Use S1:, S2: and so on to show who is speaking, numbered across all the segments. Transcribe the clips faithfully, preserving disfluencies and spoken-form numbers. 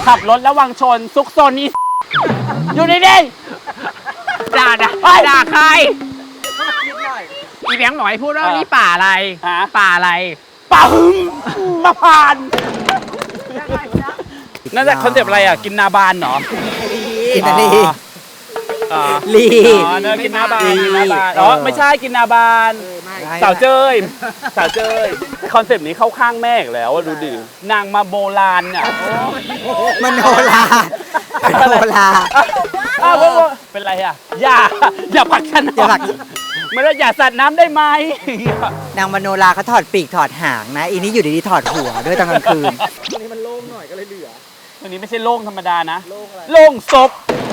S1: ขับรถระวังชนซุกซนนี่อยู่นี่ดิ
S2: ด่าด่าด่าใครอีแบงค์บอกให้พูดว่านี่ป่าอะไรป่าอะไร
S1: ป่าหึมมาพานนั่นแหละคอนเซปต์อะไรอ่ะกินนาบานเหรอ
S3: กินนาลี
S1: ลีอ๋อเนอกินนาบานกินนาบานอ๋อไม่ใช่กินนาบานสาวเจ้ยสาวเจ้ยคอนเซปต์นี้เข้าข้างแม่อีกแล้วดูดินางมาโบราณเนี่ย
S3: มโนราโนรา
S1: อ้าวเป็นไรอ่ะอย่าอย่าผลักฉันอย่าผลักไม่ได้อย่าสัตว์น้ำได้ไหม
S3: นางมโนราเขาถอดปีกถอดหางนะอีนี้อยู่ดีๆถอดหัวด้วยตอนกลางคืน
S1: วันนี้มันโล่งหน่อยก็เลยเหลือวันนี้ไม่ใช่โล่งธรรมดานะโล่งศพ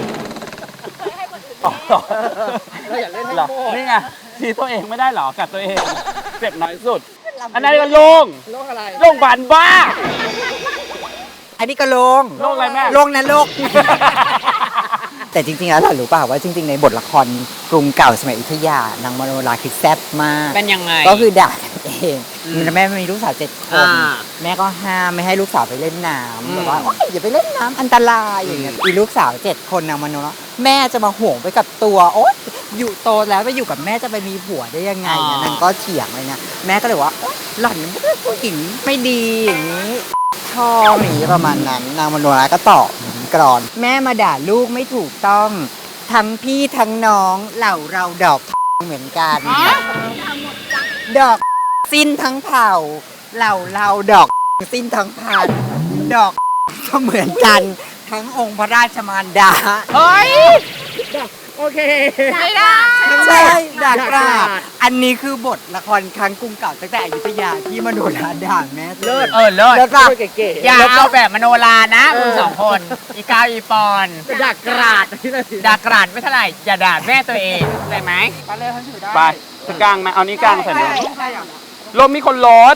S1: เราอยากเล่นหรอนี่ไงทีตัวเองไม่ได้หรอกัดตัวเองเจ็บน้อยสุดอันนั้นก็โล่งโล่งอะไรโล่งบานบ้า
S3: อันนี้ก็โลง
S1: โลกอะไรแม่
S3: โลงนะโลกแต่จริงๆแล้วหล่ะรู้ป่าวว่าจริงๆในบทละครกรุงเก่าสมัยอยุธยานางมโนราคือแซ่บมาก
S2: เป็นยังไง
S3: ก็คือด่าเองแม่มีลูกสาวเจ็ดคนแม่ก็ห้ามไม่ให้ลูกสาวไปเล่นน้ำแบบว่าอย่าไปเล่นน้ำอันตรายอย่างเงี้ยอีลูกสาวเจ็ดคนนางมโนราแม่จะมาห่วงไปกับตัวโอ๊ยอยู่โตแล้วไปอยู่กับแม่จะไปมีผัวได้ยังไงเนี่ยนางก็เถียงเลยนะแม่ก็เลยว่าหล่อนเป็นผู้หญิงไม่ดีอย่างนี้ท่อหนีประมาณนั้นนางมโนราก็ตอบกรอนแม่มาด่าลูกไม่ถูกต้องทั้งพี่ทั้งน้องเหล่าเราดอกเหมือนกันดอกสิ้นทั้งเผ่าเหล่าเราดอกสิ้นทั้งพันดอกก็เหมือนกันทั้งองค์พระราชมารดา
S2: เฮ้ย
S1: โอเค
S2: ไม่ได้
S3: ใช่ด่ากราดอันนี้คือบทละครครั้งกรุงเก่าตั้งแต่อยุธยาที่มโนราด่าแม่
S2: เลิศเออเลิศ
S3: เลิศป่ะ
S2: อย่าเอาแบบมโนรานะคุณสองคนอีกาวอีปอน
S1: ด่ากราด
S2: ด่ากราดไม่เท่าไหร่อย่าด่าแม่ตัวเองได้ไหม
S1: ไปเลยท่านถือได้ไปจะกลางไหมเอานี้กลางใส่เลยลมมีคนรถ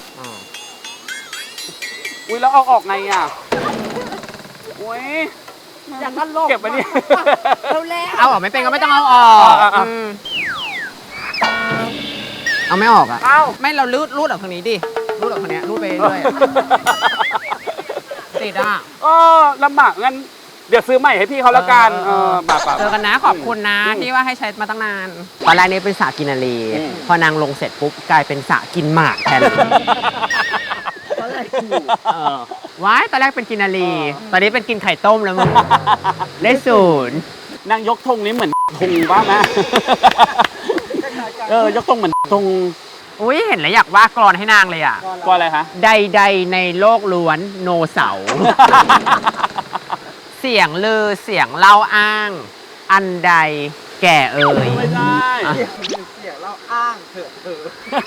S1: อุ้ยแล้วเอาออกไงอ่ะอุ้ยอย่างนั้นโลกเก็บไปนี่
S2: เอาออกไม่เป็นก็ไม่ต้องเอาออกเอาไม่ออกอ่ะไม่เราลูดลูดออกทางนี้ดิลูดออกทางนี้ลูดไปเรื่อยติดอ่ะ
S1: เออลำบากงั้นเดี๋ยวซื้อใหม่ให้พี่เขาแล้วกันเออมาป่ะ
S2: เจอกันนะขอบคุณนะที่ว่าให้ใช้มาตั้งนานตอนแรกนี้เป็นสระกินนาลีพอนางลงเสร็จปุ๊บกลายเป็นสระกินหมากแทนว้ายตอนแรกเป็นกินนาลีตอนนี้เป็นกินไข่ต้มแล้วมึงได้ศูนย์
S1: นางยกธงนี้เหมือนธงบ้างไหมเออยกธงเหมือนธง
S2: อุ้ยเห็นแล้วอยากว่ากรอนให้นางเลยอ่ะ
S1: กรอนอะไรคะ
S2: ใดๆในโลกล้วนโนเสาร์เสียงลือเสียงเล่าอ้างอันใดแก่เอ่ย
S1: ไม่ได้
S3: เสียงเล่าอ้างเถอะเถอะ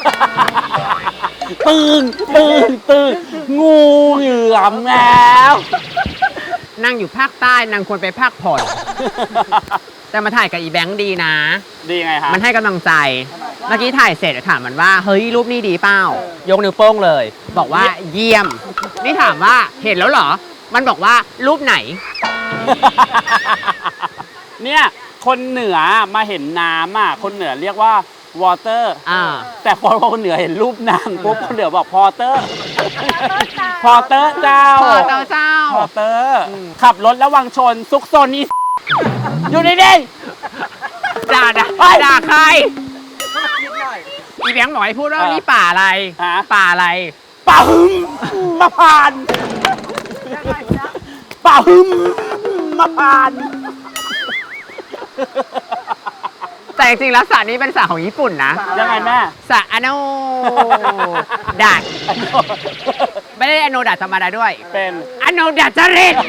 S1: ตื่นตื่นตื่นงูเหลือมแล้ว
S2: นั่งอยู่ภาคใต้นางควรไปภาคผ่อนแต่มาถ่ายกับอีแบงค์ดีนะ
S1: ดีไงคะ
S2: มันให้กำลังใจเมื่อกี้ถ่ายเสร็จถามมันว่าเฮ้ยรูปนี้ดีเปล่ายกนิ้วโป้งเลยบอกว่าเยี่ยมนี่ถามว่าเห็นแล้วเหรอมันบอกว่ารูปไหน
S1: เนี่ยคนเหนือมาเห็นน้ำอ่ะคนเหนือเรียกว่าวอเตอร์แต่พอคนเหนือเห็นรูปนางปุ๊บคนเหนือบอกพอเตอร์พอเตอร์เจ้า
S2: พอเตอร์เจ้า
S1: พอเตอร์ขับรถระวังชนซุกซนนี่อยู่นี่ดิ
S2: ด่าด่าด่าใครอีแบงค์บอกให้พูดว่านี่ป่าอะไรป่าอะไร
S1: ป่าหึมมาพานป่าหึมมาพาน
S2: แต่จริงๆแล้วสระนี้เป็นสระของญี่ปุ่นนะ
S1: ยังไงแม่
S2: สระอโนดาไม่ได้อโนดาธรรมดาด้วย
S1: เป็น
S2: อโนดาจริต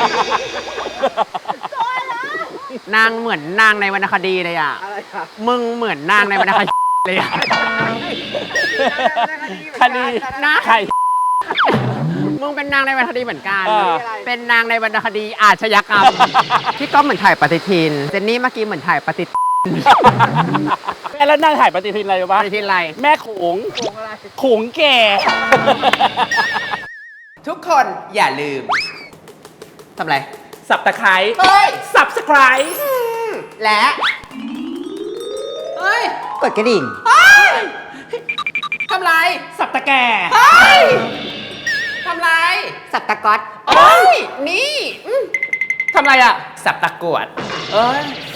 S2: นางเหมือนนางในวรรณคดีเลยอ่ะมึงเหมือนนางในวรรณคดีเลยอ่ะ
S1: คดี
S2: นะ
S1: ใคร
S2: มึงเป็นนางในวรรณคดีเหมือนกันเป็นนางในวรรณคดีอาชญากรรมที่ก็เหมือนถ่ายปฏิทินเจนนี่เมื่อกี้เหมือนถ่ายปฏิทิน
S1: แม่แล้วนั่งถ่ายปฏิทินอะไรอยู่บ้าง
S2: ปฏิทินอะไร
S1: แม่ขงขงแก่
S2: ทุกคนอย่าลืมทำอะไร
S1: สับตะไคร้สับสไคร้
S2: และเฮ้ย
S3: กดกระดิ่ง
S2: ทำไร
S1: สับตะแก่
S2: ทำไร
S3: สับตะก๊อต
S2: นี่อืมทำไรอ่ะ สับตะกรวด เอ้ย